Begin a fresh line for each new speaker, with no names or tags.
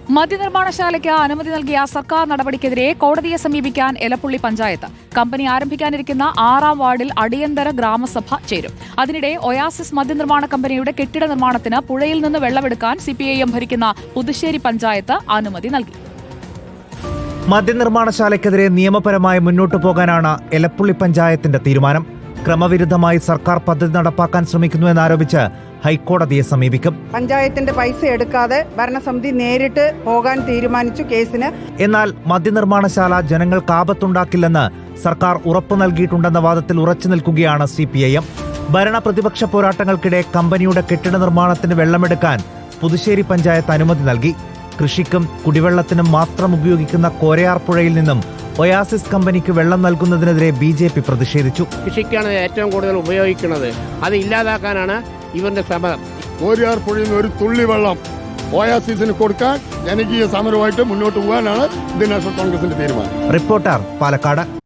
മദ്യനിർമ്മാണശാലയ്ക്ക് അനുമതി നൽകിയ സർക്കാർ നടപടിക്കെതിരെ കോടതിയെ സമീപിക്കാൻ എലപ്പുള്ളി പഞ്ചായത്ത്. കമ്പനി ആരംഭിക്കാനിരിക്കുന്ന 6-ാം വാർഡിൽ അടിയന്തര ഗ്രാമസഭ ചേരും. അതിനിടെ ഒയാസിസ് മദ്യനിർമ്മാണ കമ്പനിയുടെ കെട്ടിട നിർമ്മാണത്തിന് പുഴയിൽ നിന്ന് വെള്ളമെടുക്കാൻ CPIM ഭരിക്കുന്ന പുതുശ്ശേരി പഞ്ചായത്ത് അനുമതി നൽകി.
മദ്യനിർമ്മാണശാലയ്ക്കെതിരെ നിയമപരമായി മുന്നോട്ടു പോകാനാണ് എലപ്പുള്ളി പഞ്ചായത്തിന്റെ തീരുമാനം. ക്രമവിരുദ്ധമായി സർക്കാർ പദ്ധതി നടപ്പാക്കാൻ ശ്രമിക്കുന്നുവെന്നാരോപിച്ച് ഹൈക്കോടതിയെ സമീപിക്കും.
പഞ്ചായത്തിന്റെ പൈസ എടുക്കാതെ ഭരണസമിതി നേരിട്ട് പോകാൻ തീരുമാനിച്ചു കേസിന്.
എന്നാൽ മദ്യനിർമ്മാണശാല ജനങ്ങൾക്ക് ആപത്തുണ്ടാക്കില്ലെന്ന് സർക്കാർ ഉറപ്പു നൽകിയിട്ടുണ്ടെന്ന വാദത്തിൽ ഉറച്ചു നിൽക്കുകയാണ് CPIM. ഭരണ പ്രതിപക്ഷ പോരാട്ടങ്ങൾക്കിടെ കമ്പനിയുടെ കെട്ടിട നിർമ്മാണത്തിന് വെള്ളമെടുക്കാൻ പുതുശ്ശേരി പഞ്ചായത്ത് അനുമതി നൽകി. കൃഷിക്കും കുടിവെള്ളത്തിനും മാത്രം ഉപയോഗിക്കുന്ന കോരയാർ പുഴയിൽ നിന്നും ഒയാസിസ് കമ്പനിക്ക് വെള്ളം നൽകുന്നതിനെതിരെ BJP പ്രതിഷേധിച്ചു.
കൃഷിക്കാണ് ഏറ്റവും കൂടുതൽ ഉപയോഗിക്കുന്നത്, അത് ഇല്ലാതാക്കാനാണ് ഇവരുടെ ശ്രമം.
കോരയാർ പുഴയിൽ നിന്ന് ഒരു തുള്ളി വെള്ളം ഒയാസിസിന് കൊടുക്കാൻ ജനകീയ സമരമായിട്ട് മുന്നോട്ട് പോകാനാണ് ഇന്ത്യൻ നാഷണൽ കോൺഗ്രസിന്റെ തീരുമാനം.
റിപ്പോർട്ടർ, പാലക്കാട്.